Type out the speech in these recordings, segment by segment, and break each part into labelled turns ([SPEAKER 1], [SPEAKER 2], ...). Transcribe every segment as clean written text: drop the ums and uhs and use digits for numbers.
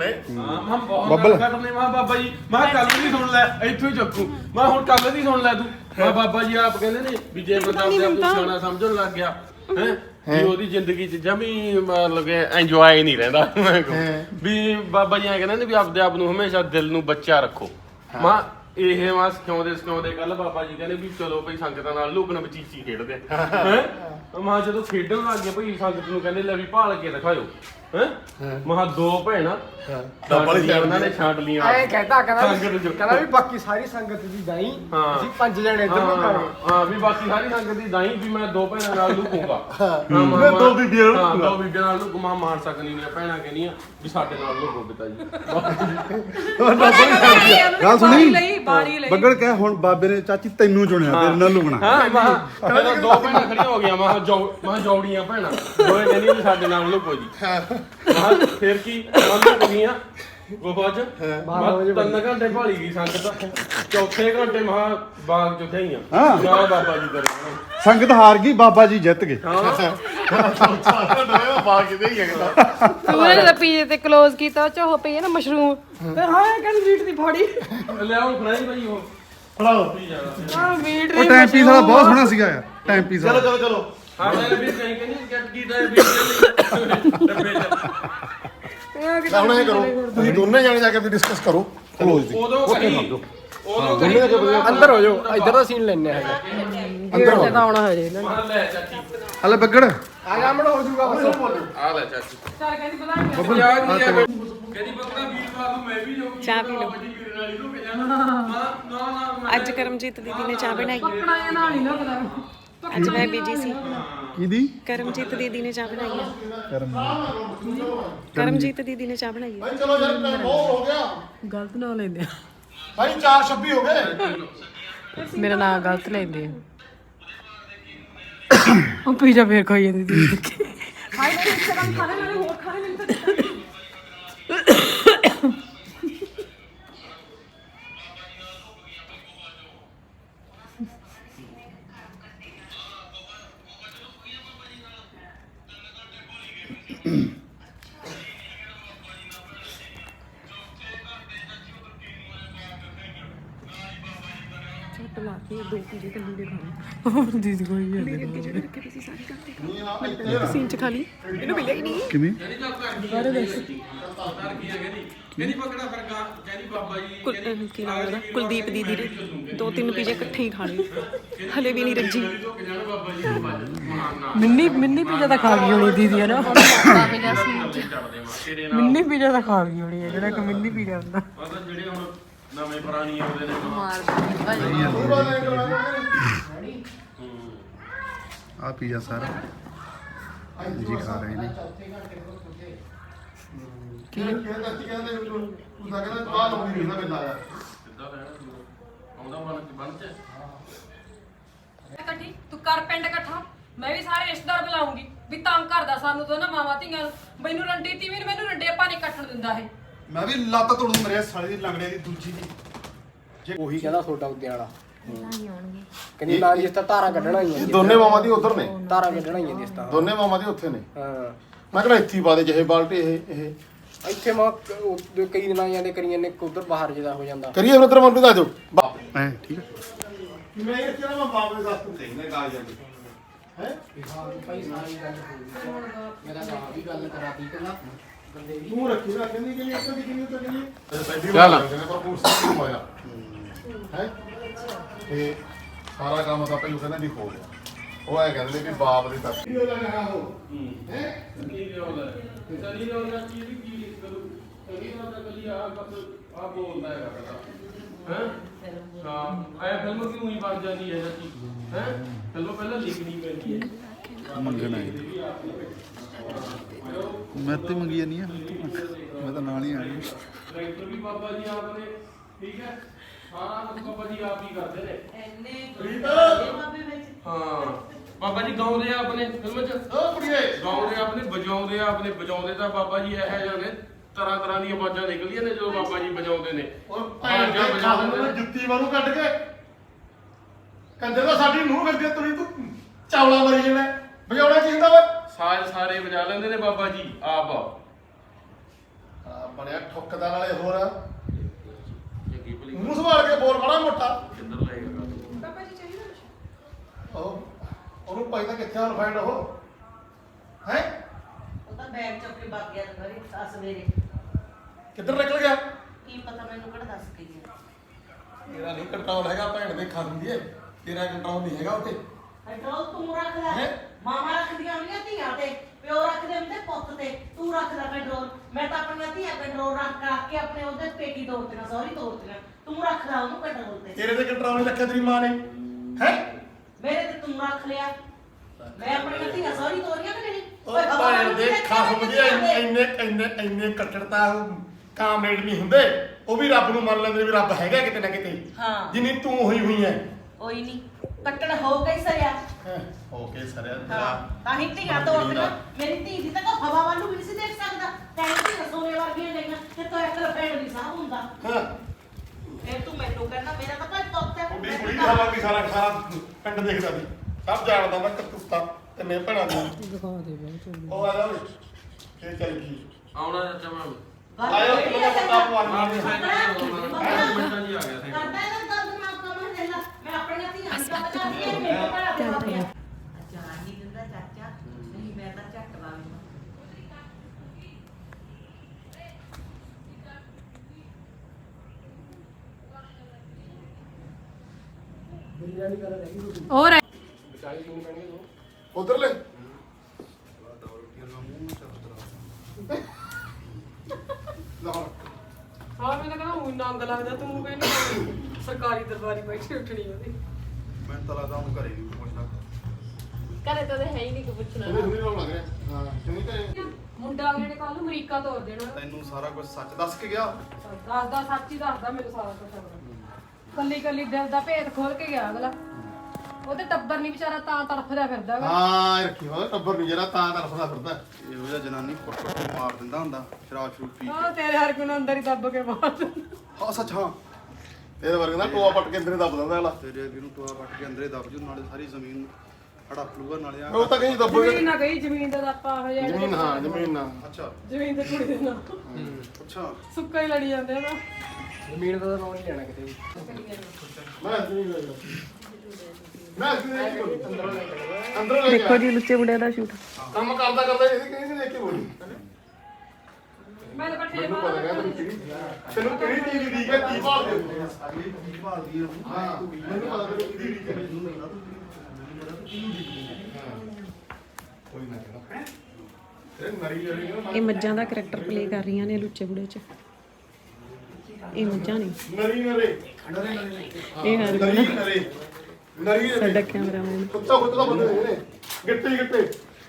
[SPEAKER 1] ਕੱਟਣੇ
[SPEAKER 2] ਹਾਂ ਮੈਂ ਬਹੁਤ ਕੱਟਣੇ ਮੈਂ ਬਾਬਾ ਜੀ ਮੈਂ ਕੱਲ ਦੀ ਸੁਣ ਲੈ ਇੱਥੋਂ ਹੀ ਚੱਕੂ ਮੈਂ ਹੁਣ ਕੱਲ ਦੀ ਸੁਣ ਲੈ ਤੂੰ ਮੈਂ ਬਾਬਾ ਜੀ ਆਪ ਕਹਿੰਦੇ ਨੇ ਵੀ ਜੇ ਬੰਦਾ ਆਪਣੇ ਆਪ ਨੂੰ ਸਿਆਣਾ ਸਮਝਣ ਲੱਗ ਗਿਆ ਹੈ ਵੀ ਉਹਦੀ ਜ਼ਿੰਦਗੀ 'ਚ ਜਮੀ ਮਤਲਬ ਕਿ ਇੰਜੋਏ ਨਹੀਂ ਰਹਿੰਦਾ ਵੀ ਬਾਬਾ ਜੀ ਕਹਿੰਦੇ ਨੇ ਵੀ ਆਪਦੇ ਆਪ ਨੂੰ ਹਮੇਸ਼ਾ ਦਿਲ ਨੂੰ ਬੱਚਾ ਰੱਖੋ ਮਾਂ ਇਹ ਮਾਂ ਸਿਖਾਉਂਦੇ ਕੱਲ ਬਾਬਾ ਜੀ ਕਹਿੰਦੇ ਵੀ ਚਲੋ ਭਈ ਸੰਗਤਾਂ ਨਾਲ ਲੁਕਣ ਬਚੀਚੀ ਖੇਡਦੇ ਹੈ ਮਾਂ ਜਦੋਂ ਖੇਡਣ ਲੱਗ ਗਏ ਭਈ ਸੰਗਤ ਨੂੰ ਕਹਿੰਦੇ ਲੈ ਵੀ ਭਾਲ ਕੇ ਦਿਖਾਇਓ ਹੈ ਮਹਾ ਦੋ ਭੈਣਾਂ ਉਹਨਾਂ ਨੇ ਛਾਂਟ ਲੀਆਂ
[SPEAKER 3] ਐ ਕਹਿੰਦਾ ਵੀ ਬਾਕੀ ਸਾਰੀ ਸੰਗਤ ਦੀ ਦਾਈ ਅਸੀਂ 5 ਜਣੇ ਇੱਧਰ ਨੂੰ ਕਰਾਂਗੇ
[SPEAKER 2] ਹਾਂ ਵੀ ਬਾਕੀ ਸਾਰੀ ਸੰਗਤ ਦੀ ਦਾਈ ਵੀ ਮੈਂ ਦੋ ਭੈਣਾਂ ਨਾਲ ਲੁਕੂੰਗਾ
[SPEAKER 1] ਮੈਂ ਦੋ ਬੀਬੀਆਂ
[SPEAKER 2] ਦੋ ਬੀਬੀਆਂ ਨਾਲ ਲੁਕੂੰਗਾ ਮਾਰ ਸਕਣੀ ਨਹੀਂ ਭੈਣਾਂ ਕਹਿੰਦੀਆਂ ਵੀ ਸਾਡੇ ਨਾਲ ਲੁਕੋ ਪਿਤਾ ਜੀ
[SPEAKER 4] ਗੱਲ ਸੁਣੀ
[SPEAKER 5] ਬਾੜੀ ਲਈ
[SPEAKER 4] ਬੱਗੜ ਕਹਿ ਹੁਣ ਬਾਬੇ ਨੇ ਚਾਚੀ ਤੈਨੂੰ ਚੁਣਿਆ ਤੇਰੇ ਨਾਲ ਲੁਕਣਾ
[SPEAKER 2] ਹਾਂ ਮਾਂ ਦੋ ਭੈਣਾਂ ਖੜੀਆਂ ਹੋ ਗਈਆਂ ਮਾਂ ਜੋੜੀਆਂ ਭੈਣਾਂ ਦੋਏ ਕਹਿੰਦੀਆਂ ਵੀ ਸਾਡੇ ਨਾਲ ਲੁਕੋ ਜੀ ਫਿਰ ਕੀ ਮੰਨ ਗਈਆਂ ਗੋਬਾਜ 3 ਘੰਟੇ ਭਾਲੀ ਗਈ ਸੰਗਤ ਚੌਥੇ ਘੰਟੇ ਮਹਾ ਬਾਗ ਚ ਗਈਆਂ ਨਾ ਬਾਬਾ ਜੀ ਕਰੇ
[SPEAKER 4] ਸੰਗਤ ਹਾਰ ਗਈ ਬਾਬਾ ਜੀ ਜਿੱਤ ਗਏ
[SPEAKER 1] ਬਾਗ ਕਿਤੇ ਹੀ ਅਗਲਾ
[SPEAKER 5] ਤੂੰ ਨੇ ਪੀਜੇ ਤੇ ক্লোਜ਼ ਕੀਤਾ ਚਾਹੋ ਪਈ ਹੈ ਨਾ ਮਸ਼ਰੂਮ ਤੇ ਹਾਂ ਕਹਿੰਦੀ ਮੀਟ ਦੀ ਫਾੜੀ
[SPEAKER 2] ਲਿਆਓ ਫੜਾਈ ਭਾਈ ਉਹ
[SPEAKER 1] ਫੜਾਓ
[SPEAKER 5] ਹਾਂ ਮੀਟ
[SPEAKER 4] ਉਹ
[SPEAKER 5] ਦੀ
[SPEAKER 4] ਟਾਈਮ ਪੀਸ ਵਾਲਾ ਬਹੁਤ ਸੋਹਣਾ ਸੀਗਾ ਯਾਰ ਟਾਈਮ ਪੀਸ
[SPEAKER 1] ਚਲੋ
[SPEAKER 4] ਵਾਲਾ
[SPEAKER 1] ਚਲੋ ਚਲੋ
[SPEAKER 2] ਹਾਂ ਮੈਂ ਵੀ ਕਹੀਂ ਕਹਿੰਦੀ ਕੀ ਦਾ ਵੀ ਡੱਬੇ ਚ
[SPEAKER 1] ਹੁਣ ਇਹ ਕਰੋ ਤੁਸੀਂ ਦੋਨੇ ਜਾਣੇ ਜਾ ਕੇ ਡਿਸਕਸ ਕਰੋ ਕਲੋਜ਼ ਦੀ
[SPEAKER 2] ਉਦੋਂ ਕਰੀ ਉਦੋਂ ਕਰੀ
[SPEAKER 3] ਅੰਦਰ ਹੋ ਜਾਓ ਇੱਧਰ ਦਾ ਸੀਨ ਲੈਣੇ ਹੈਗਾ
[SPEAKER 4] ਅੰਦਰ ਹੋ
[SPEAKER 5] ਤਾਂ ਆਉਣਾ ਹਜੇ ਇਹਨਾਂ ਨੇ
[SPEAKER 2] ਮਾਰ ਲੈ ਚਾਚੀ
[SPEAKER 4] ਹਲੇ ਬੱਗੜ
[SPEAKER 3] ਆ ਜਾ ਮੜ ਹੋ ਜਾਊਗਾ ਬਸ
[SPEAKER 2] ਆ ਲੈ ਚਾਚੀ
[SPEAKER 5] ਚੱਲ ਕਹਿੰਦੀ ਬੁਲਾ ਕੇ
[SPEAKER 2] ਬੱਬੂ ਯਾਦ ਨਹੀਂ ਆ ਕਹਿੰਦੀ ਬੱਕਰਾ ਵੀਰਵਾਰ ਨੂੰ ਮੈਂ ਵੀ ਜੋ
[SPEAKER 6] ਚਾਹ ਪੀ ਲਓ।
[SPEAKER 2] ਵੀਰ ਨਾਲ ਹੀ ਲੁਕ ਜਾਣਾ ਨਾ
[SPEAKER 6] ਅੱਜ ਕਰਮਜੀਤ ਦੀਦੀ ਨੇ ਚਾਹ ਬਣਾਈ
[SPEAKER 5] ਪਕੜਾ ਇਹ ਨਾਲ ਹੀ ਨਾ ਪਤਾ
[SPEAKER 6] ਅੱਜ ਮੈਂ ਬੀਜੀ ਸੀ
[SPEAKER 4] ਕਿਹਦੀ
[SPEAKER 6] ਕਰਮਜੀਤ ਦੀਦੀ ਨੇ ਚਾਹ ਬਣਾਈ ਹੈ ਕਰਮਜੀਤ ਦੀਦੀ ਨੇ ਚਾਹ ਬਣਾਈ ਹੈ
[SPEAKER 1] ਭਾਈ ਚਲੋ ਯਾਰ ਟਾਈਮ ਬਹੁਤ ਹੋ ਗਿਆ
[SPEAKER 5] ਗਲਤ ਨਾ ਲੈਂਦੇ
[SPEAKER 1] ਭਾਈ 4:26 ਹੋ ਗਏ
[SPEAKER 5] ਮੇਰਾ ਨਾਮ ਗਲਤ ਲੈਂਦੇ ਉਹ ਪੀਜਾ ਫੇਰ ਖਾਈ ਜਾਂਦੀ ਸੀ ਹਾਏ ਤੇ ਇੱਕਦਮ ਖਾਣੇ ਨਾਲੇ ਹੋਰ ਖਾਣੇ ਮੈਨੂੰ ਤਾਂ ਮਾਰਦੀ ਦੋ ਪੀਜੇ ਕੱਲੀ ਦੇ ਖਾਣੇ ਦੀਦੀ ਕੋਈ
[SPEAKER 6] ਮੇਰੇ ਅੱਗੇ ਜਿਹੜੇ ਰੱਖੇ ਤੁਸੀਂ ਸਾਰੇ ਕਰਦੇ ਸੀਨ ਚ ਖਾ ਲਈ ਇਹਨੂੰ ਮਿਲਿਆ ਹੀ ਨਹੀਂ
[SPEAKER 4] ਕਿਵੇਂ
[SPEAKER 2] ਕਹਿੰਦੀ ਪਕੜਾ ਫਿਰ ਕਹਿੰਦੀ ਬਾਬਾ ਜੀ
[SPEAKER 6] ਕੀ ਨਾਮ ਉਹਦਾ ਕੁਲਦੀਪ ਦੀਦੀ ਨੇ 2-3 ਪੀਜੇ ਇਕੱਠੇ ਹੀ ਖਾ ਲਏ ਹਲੇ ਵੀ ਨਹੀਂ ਰੱਜੀ
[SPEAKER 5] ਮਿੰਨੀ ਪੀਜਾ ਤਾਂ ਖਾ ਗਈ ਹੋਣੀ ਦੀਦੀ ਹੈ ਨਾ ਮਿੰਨੀ ਪੀਜਾ ਤਾਂ ਖਾ ਗਈ ਹੋਣੀ ਹੈ ਜਿਹੜਾ ਕਿ ਮਿੰਨੀ ਪੀਜਾ ਹੁੰਦਾ
[SPEAKER 2] ਜਿਹੜੇ ਹੁਣ ਨਵੇਂ ਪੁਰਾਣੀ ਆਉਂਦੇ ਨੇ
[SPEAKER 4] ਆ ਪੀਜ਼ਾ ਸਾਰਾ ਜੀ ਖਾ ਰਹੇ ਨੇ
[SPEAKER 1] ਕਹਿੰਦੇ ਤੂੰ ਕਹਿੰਦਾ ਬਾਹਰ ਲਾਉਂਦੀ ਨਹੀਂ ਨਾ ਬਿੱਲ ਆਇਆ
[SPEAKER 2] ਕਿੱਦਾਂ ਰਹਿਣਾ ਆਉਂਦਾ ਬਣ ਚ
[SPEAKER 7] ਇਕੱਠੀ ਤੂੰ ਕਰ ਪਿੰਡ ਇਕੱਠਾ ਮੈਂ ਵੀ ਸਾਰੇ ਰਿਸ਼ਤੇਦਾਰ ਬੁਲਾਉਂਗੀ ਵੀ ਤੰਗ ਕਰਦਾ ਸਾਨੂੰ ਦੋਨਾਂ ਮਾਵਾਂ ਧੀਆਂ ਨੂੰ ਮੈਨੂੰ ਰੰਡੀ ਤੀਵੀਂ ਨੂੰ ਮੈਨੂੰ ਰੰਡੇ ਆਪਾਂ ਨਹੀਂ ਕੱਟਣ ਦਿੰਦਾ ਇਹ
[SPEAKER 1] ਮੈਂ ਵੀ ਲੱਤ ਤੋੜੂ ਮੇਰੇ ਸਾਲੇ ਦੀ ਲੰਗੜੇ ਦੀ ਦੂਜੀ ਦੀ
[SPEAKER 3] ਉਹੀ ਕਹਿੰਦਾ ਤੁਹਾਡਾ ਉੱਤੇ ਵਾਲਾ ਕਹਿੰਦੀ ਨਾ ਜੀ ਇਸ ਤਾਂ ਧਾਰਾਂ ਕੱਢਣਾ ਹੀ ਹੈ
[SPEAKER 1] ਦੋਨੇ ਮਾਮਾ ਦੀ ਉਧਰ ਨੇ
[SPEAKER 3] ਧਾਰਾਂ ਕੱਢਣਾ ਹੀ ਹੈ ਜੀ ਇਸ ਤਾਂ
[SPEAKER 1] ਦੋਨੇ ਮਾਮਾ ਦੀ ਉੱਥੇ ਨੇ
[SPEAKER 3] ਹਾਂ
[SPEAKER 1] ਮੈਂ ਕਿਹੜਾ ਇੱਥੇ ਪਾ ਦੇ ਜਿਹੇ ਬਾਲਟੇ ਇਹ
[SPEAKER 3] ਇੱਥੇ ਮਾ ਕਈ ਦਿਨਾਂ ਜਾਂਦੇ ਕਰੀਆਂ ਨੇ ਉਧਰ ਬਾਹਰ ਜਿਹਦਾ ਹੋ ਜਾਂਦਾ
[SPEAKER 1] ਕਰੀਏ ਉਧਰ ਮੰਨ ਦੱਸ ਦਿਓ
[SPEAKER 4] ਐ ਠੀਕ ਹੈ
[SPEAKER 1] ਮੈਂ ਇਹ ਕਿਹਾ ਮੈਂ ਬਾਪ ਦੇ ਦੱਸ ਦਿੰਦੇ ਕਾਗਜ਼ਾਂ ਦੀ ਹੈ
[SPEAKER 3] ਭਾਈ ਸਾਰੀ ਗੱਲ ਮੇਰਾ ਤਾਂ ਵੀ ਗੱਲ ਕਰਾਤੀ ਕਹਿੰਦਾ ਬੰਦੇ ਦੀ
[SPEAKER 1] ਤੂੰ ਰੱਖੀ ਨਾ ਕਹਿੰਦੀ ਕਿ ਇੱਕ ਦੀ ਕਿੰਨੀ ਤੋਂ ਕਿੰਨੀ
[SPEAKER 2] ਚੱਲ।
[SPEAKER 1] ਪਰ ਪੁਲਿਸ ਨਹੀਂ ਹੋਇਆ ਹੈ ਤੇ ਸਾਰਾ ਕੰਮ ਤਾਂ ਪਹਿਲਾਂ ਕਹਿੰਦਾ ਵੀ ਹੋ ਗਿਆ ਉਹ ਐ ਕਹਿੰਦੇ ਵੀ ਬਾਪ ਦੇ ਤੱਕ ਕੀ ਹੋ ਲਗਾ ਉਹ ਹੈ
[SPEAKER 2] ਕੀ ਲਿਆਉਂਦਾ ਸਰੀ ਲਿਆਉਂਦਾ ਕੀ ਕਰੂ ਸਰੀ ਲਿਆਉਂਦਾ ਕੱਲੀ ਆ ਬਸ ਆ ਬੋਲਦਾ ਹੈਗਾ ਪਤਾ ਹੈ ਹਾਂ ਐ ਫਿਲਮ ਕਿਉਂ ਹੀ ਬਣ ਜਾਂਦੀ ਹੈ ਜੀ ਹੈ ਚਲੋ ਪਹਿਲਾਂ ਲਿਖਣੀ ਪੈਂਦੀ ਹੈ
[SPEAKER 4] ਮੰਗਣਾ ਮੈਂ ਤੇ ਮੰਗੀ ਨਹੀਂ ਆ ਮੈਂ ਤਾਂ ਨਾਲ ਹੀ ਆ ਗਿਆ
[SPEAKER 2] ਡਾਇਰੈਕਟਰ ਵੀ ਬਾਬਾ ਜੀ ਆਪ ਨੇ ਠੀਕ ਹੈ ਸਾਰਾ ਕੁਝ ਬਾਬਾ ਜੀ ਆਪ ਹੀ ਕਰਦੇ ਨੇ ਹਾਂ ਬਾਬਾ ਜੀ ਗਾਉਂਦੇ ਆ ਆਪਣੇ ਫਿਲਮ ਚ
[SPEAKER 1] ਓ ਕੁੜੀਏ
[SPEAKER 2] ਗਾਉਂਦੇ ਆਪਣੇ ਵਜਾਉਂਦੇ ਤਾਂ ਬਾਬਾ ਜੀ ਇਹ ਜਾਂਦੇ ਤਰ੍ਹਾਂ ਦੀਆਂ ਆਵਾਜ਼ਾਂ ਨਿਕਲਦੀਆਂ ਨੇ ਜਦੋਂ ਬਾਬਾ ਜੀ ਵਜਾਉਂਦੇ ਨੇ
[SPEAKER 1] ਔਰ ਭੈਣ ਦੇ ਖਾਣ ਨੂੰ ਜੁੱਤੀ ਵਾਰੂ ਕੱਢ ਕੇ ਕੰਦੇ ਤਾਂ ਸਾਡੀ ਨੂੰਹ ਫਿਰਦੀ ਤੁਰੀ ਤੂੰ ਚਾਵਲਾ ਮਰੀ ਜਾਣਾ ਵਜਾਉਣਾ ਕੀ ਹੁੰਦਾ ਵਾ
[SPEAKER 2] ਸਾਜ਼ ਸਾਰੇ ਵਜਾ ਲੈਂਦੇ ਨੇ ਬਾਬਾ ਜੀ ਆਪ
[SPEAKER 1] ਬਣਿਆ ਠੁੱਕਦਾ ਨਾਲੇ ਹੋਰ
[SPEAKER 2] ਚੰਗੀ ਭਲੀ
[SPEAKER 1] ਮੂੰਹ ਸੰਭਾਲ ਕੇ ਬੋਲ ਬੜਾ ਮੋਟਾ
[SPEAKER 2] ਕਿੱਧਰ ਲੈ ਗਿਆ
[SPEAKER 7] ਬਾਬਾ ਜੀ ਚਾਹੀਦਾ ਕੁਛ?
[SPEAKER 1] ਉਹਨੂੰ ਪੈਦਾ ਕਿੱਥੇ ਆ ਰਿਫਾਈਂਡ ਉਹ ਹੈ
[SPEAKER 8] ਉਹ ਤਾਂ ਬੈਗ ਚੁੱਕ ਕੇ ਭੱਜ ਗਿਆ ਦੁਪਹਿਰੇ ਸਵੇਰੇ
[SPEAKER 1] ਕਿੱਧਰ ਨਿਕਲ ਗਿਆ
[SPEAKER 8] ਕੀ ਪਤਾ ਮੈਨੂੰ ਕਿਹੜਾ ਦੱਸ ਕੇ ਗਿਆ
[SPEAKER 1] ਮੇਰਾ ਨਹੀਂ ਕੰਟਰੋਲ ਹੈਗਾ ਭੈਣ ਦੇ ਖਾ ਦਿੰਦੀ ਏ ਤੇਰਾ ਕੰਟਰੋਲ ਨਹੀਂ ਹੈਗਾ ਉੱਤੇ
[SPEAKER 8] ਕੰਟਰੋਲ ਤੂੰ ਰੱਖਦਾ
[SPEAKER 1] ਹੈਂ?
[SPEAKER 8] ਮਾਮਾ ਰੱਖਦੀਆਂ ਹੁੰਦੀਆਂ ਧੀਆਂ ਤੇ ਪਿਓ ਰੱਖਦੇ ਹੁੰਦੇ ਪੁੱਤ ਤੇ ਤੂੰ ਰੱਖਦਾ ਕੰਟਰੋਲ ਮੈਂ ਤਾਂ ਆਪਣੀਆਂ ਧੀਆਂ ਕੰਟਰੋਲ ਰੱਖ ਕੇ ਆਪਣੇ ਉਹਦੇ ਪੇਟੀ ਤੋੜਦੀਆਂ ਸੌਰੀ ਤੋੜਦੀਆਂ ਤੂੰ ਰੱਖਦਾ ਉਹਨੂੰ ਕੰਟਰੋਲ ਤੇ
[SPEAKER 1] ਤੇਰੇ ਤੇ ਕੰਟਰੋਲ ਨਹੀਂ ਰੱਖਿਆ ਤੇਰੀ ਮਾਂ ਨੇ ਹੈ
[SPEAKER 8] ਮੇਰੇ ਤੇ ਤੂੰ ਰੱਖ ਲਿਆ ਮੈਂ ਆਪਣੀਆਂ ਧੀਆਂ ਸੌਰੀ ਤੋੜੀਆਂ ਕਿ ਨਹੀਂ
[SPEAKER 1] ਉਹ ਭੈਣ ਦੇ ਖਸਮ ਦੀ ਇੰਨੇ ਕੱਟੜਤਾ ਕਾਮਰੇਡ ਨਹੀਂ ਹੁੰਦੇ ਉਹ ਵੀ ਰੱਬ ਨੂੰ ਮੰਨ ਲੈਂਦੇ ਵੀ ਰੱਬ ਹੈਗਾ ਕਿਤੇ ਨਾ ਕਿਤੇ
[SPEAKER 8] ਹਾਂ।
[SPEAKER 1] ਜਿੰਨੀ ਤੂੰ ਹੋਈ ਹੈ
[SPEAKER 8] ਕੋਈ ਨਹੀਂ ਕੱਟੜ ਹੋ ਗਈ ਸਰਿਆ
[SPEAKER 1] ਹੋ ਕੇ ਸਰਿਆ
[SPEAKER 8] ਹਾਂ ਤਾਂ ਹੀ ਧੀਆਂ ਤੋੜਦੀਆਂ ਮੇਰੀ ਧੀ ਦੀ ਤਾਂ ਕੋਈ ਹਵਾ ਵੱਲੋਂ ਵੀ ਨਹੀਂ ਸੀ ਦੇਖ ਸਕਦਾ ਟੈਂਕੀ ਰਸੋਨੇ ਵਰਗੀਆਂ ਗਈਆਂ ਤੇ ਤੋ ਇੱਕ ਰਫੇੜ ਨਹੀਂ ਸਾਹ ਹੁੰਦਾ
[SPEAKER 1] ਹਾਂ
[SPEAKER 8] ਇਹ ਤੂੰ ਮੈਨੂੰ ਕਹਿੰਦਾ ਮੇਰਾ ਤਾਂ ਭਾਈ ਪੁੱਤ ਹੈ
[SPEAKER 1] ਕੁੜੀ ਕੁੜੀ ਦੀ ਹਵਾ ਵੀ ਸਾਰਾ ਪਿੰਡ ਦੇਖਦਾ ਸੀ ਸਭ ਜਾਣਦਾ ਮੈਂ ਕਰਤੂਤਾ ਤੇ ਮੇਰੇ ਭੈਣਾਂ ਦੀ ਉਹ ਆ ਜਾ ਓਏ ਇਹ ਚੱਲ ਗਈ
[SPEAKER 2] ਆਉਣਾ ਚਾਚਾ ਮੈਂ
[SPEAKER 1] ਆਇਆ ਤੂੰ ਪਤਾ ਪਵਾ
[SPEAKER 2] ਜੀ ਆ ਗਿਆ ਸਾਈਕਲ
[SPEAKER 8] ਕਰਦਾ ਇਹਦਾ ਦਰਦ ਨਾ ਕਮਰ ਦੇ ਲਾ ਮੈਂ ਆਪਣੀਆਂ ਧੀਆਂ ਦੀ ਗੱਲ ਕਰਦੀ ਹਾਂ ਮੇਰੇ ਭਰਾ ਦੇ ਵਾਪਿਆ ਜਾਨ ਨਹੀਂ ਦਿੰਦਾ ਚਾਚਾ ਨਹੀਂ ਮੈਂ ਤਾਂ ਝੱਟ ਵਾਲੀ
[SPEAKER 7] ਹੋਰ
[SPEAKER 1] ਉਧਰ ਲੈ ਲਾਹੌਰ
[SPEAKER 7] ਹਾਂ ਮੈਨੂੰ ਕਹਿੰਦਾ ਉਹ ਨੰਗ ਲੱਗਦਾ ਤੂੰ ਕਹਿੰਦੀ ਸਰਕਾਰੀ ਦਰਬਾਰੀ ਬੈਠੀ ਉੱਠਣੀ ਉਹਦੀ
[SPEAKER 4] ਮੈਂ ਤਾਂ ਲੱਗਦਾ ਹੁਣ ਘਰੇ ਨਹੀਂ ਪੁੱਛਦਾ
[SPEAKER 5] ਘਰੇ ਤਾਂ ਹੈ ਹੀ ਨਹੀਂ ਕੋ ਪੁੱਛਣਾ
[SPEAKER 1] ਤੈਨੂੰ ਹੁਣੇ ਰੌਣ ਲੱਗ ਰਿਹਾ ਹਾਂ ਕਿਉਂ ਕਰੇ
[SPEAKER 7] ਮੁੰਡਾ ਅਗਲੇ ਨੇ ਕੱਲ ਨੂੰ ਅਮਰੀਕਾ ਤੋਰ ਦੇਣਾ
[SPEAKER 4] ਤੈਨੂੰ ਸਾਰਾ ਕੁਝ ਸੱਚ ਦੱਸ ਕੇ ਗਿਆ
[SPEAKER 7] ਦੱਸਦਾ ਸੱਚ ਹੀ ਦੱਸਦਾ ਮੈਨੂੰ ਸਾਰਾ ਕੁਝ ਕੱਲੀ ਕੱਲੀ ਦਿਲ ਦਾ ਭੇਦ ਖੋਲ ਕੇ ਗਿਆ ਅਗਲਾ ਉਹਦੇ ਟੱਬਰ ਨਹੀਂ ਵਿਚਾਰਾ ਤਾਂ ਤੜਫਦਾ ਫਿਰਦਾ ਗਾ
[SPEAKER 1] ਹਾਂ ਇਹ ਰੱਖੀ ਹੋਇਆ ਟੱਬਰ ਨੂੰ ਜਿਹੜਾ ਤਾਂ ਤਰਫਦਾ ਫਿਰਦਾ
[SPEAKER 4] ਇਹੋ ਜਿਹਾ ਜਨਾਨੀ ਕੁੱਟ ਕੇ ਮਾਰ ਦਿੰਦਾ ਹੁੰਦਾ ਸ਼ਰਾਬ ਸ਼ਰੂਬ ਪੀ ਕੇ
[SPEAKER 7] ਉਹ ਤੇਰੇ ਹਰ ਨੂੰ ਅੰਦਰ ਹੀ ਦੱਬ ਕੇ ਮਾਰ ਦਿੰਦਾ।
[SPEAKER 4] ਹਾਂ ਸੱਚ ਹਾਂ
[SPEAKER 1] ਇਹਦੇ ਵਰਗਾ ਨਾ ਟੋਆ ਪੱਟ ਕੇ ਅੰਦਰੇ ਦੱਬ ਦਿੰਦਾ ਅਗਲਾ
[SPEAKER 4] ਤੇਰੇ ਅੱਗੇ ਨੂੰ ਟੋਆ ਪੱਟ ਕੇ ਅੰਦਰੇ ਦੱਬ ਜੂ ਨਾਲੇ ਸਾਰੀ ਜ਼ਮੀਨ ਹੜਪ ਲੂਗਾ ਨਾਲੇ ਆ
[SPEAKER 1] ਉਹ ਤਾਂ ਕਹੀਂ ਦੱਬੋਗੇ
[SPEAKER 7] ਜ਼ਮੀਨ ਨਾ ਗਈ ਜ਼ਮੀਨ ਦਾ ਆਪਾਂ ਹੋ ਜਾਏ
[SPEAKER 1] ਜ਼ਮੀਨ ਹਾਂ ਜ਼ਮੀਨ ਨਾ
[SPEAKER 4] ਅੱਛਾ
[SPEAKER 7] ਜ਼ਮੀਨ ਤੇ ਕੁੜੀ ਦੇ ਨਾਲ
[SPEAKER 4] ਅੱਛਾ
[SPEAKER 7] ਸੁੱਕਾ ਹੀ ਲੜੀ ਜਾਂਦੇ ਆ ਨਾ
[SPEAKER 3] ਜ਼ਮੀਨ ਦਾ ਨਾਮ ਨਹੀਂ ਲੈਣਾ ਕਿਤੇ ਵੀ
[SPEAKER 1] ਮੈਂ ਜ਼ਮੀਨ ਲੈ ਲਾ ਮੈਂ ਜ਼ਮੀਨ ਅੰਦਰੋਂ ਲੈ ਕੇ
[SPEAKER 6] ਦੇਖੋ ਜੀ ਲੁੱਚੇ ਮੁੰਡਿਆਂ ਦਾ ਸ਼ੂਟ
[SPEAKER 1] ਕੰਮ ਕਰਦਾ ਕਰਦਾ ਇਹਦੀ ਕਹੀਂ ਨਹੀਂ ਦੇਖ ਕੇ ਬੋਲੀ
[SPEAKER 7] ਮੈਂ ਤਾਂ ਪੱਠੇ
[SPEAKER 1] ਮੈਨੂੰ ਪਤਾ ਹੈ ਤੈਨੂੰ ਕਿਹੜੀ ਚੀਜ਼ ਦੀ ਹੈ ਕੀ ਭਾਲ ਦੇ
[SPEAKER 4] ਸਾਡੀ ਕੀ ਭਾਲਦੀ ਹੈ
[SPEAKER 1] ਹਾਂ ਮੈਨੂੰ ਪਤਾ ਤੈਨੂੰ ਕਿਹੜੀ ਚੀਜ਼ ਦੀ ਕੋਈ ਨਾ ਕਹਿਣਾ ਇਹ ਨਰੀ ਜਿਹੜੀ ਨਾ
[SPEAKER 6] ਇਹ ਮੱਝਾਂ ਦਾ ਕਰੈਕਟਰ ਪਲੇ ਕਰ ਰਹੀਆਂ ਨੇ ਲੁੱਚੇ ਬੁੜੇ ਚ ਇਹ ਮੱਝਾਂ ਨੇ
[SPEAKER 1] ਨਰੀ ਨਰੇ
[SPEAKER 6] ਇਹ ਹਰ
[SPEAKER 1] ਨਰੀ ਨਰੇ ਨਰੀ
[SPEAKER 6] ਸਾਡਾ ਕੈਮਰਾਮੈਨ
[SPEAKER 1] ਕੁੱਤਾ ਕੁੱਤਾ ਬੰਦੇ ਨੇ ਗਿੱਟੇ ਗਿੱਟੇ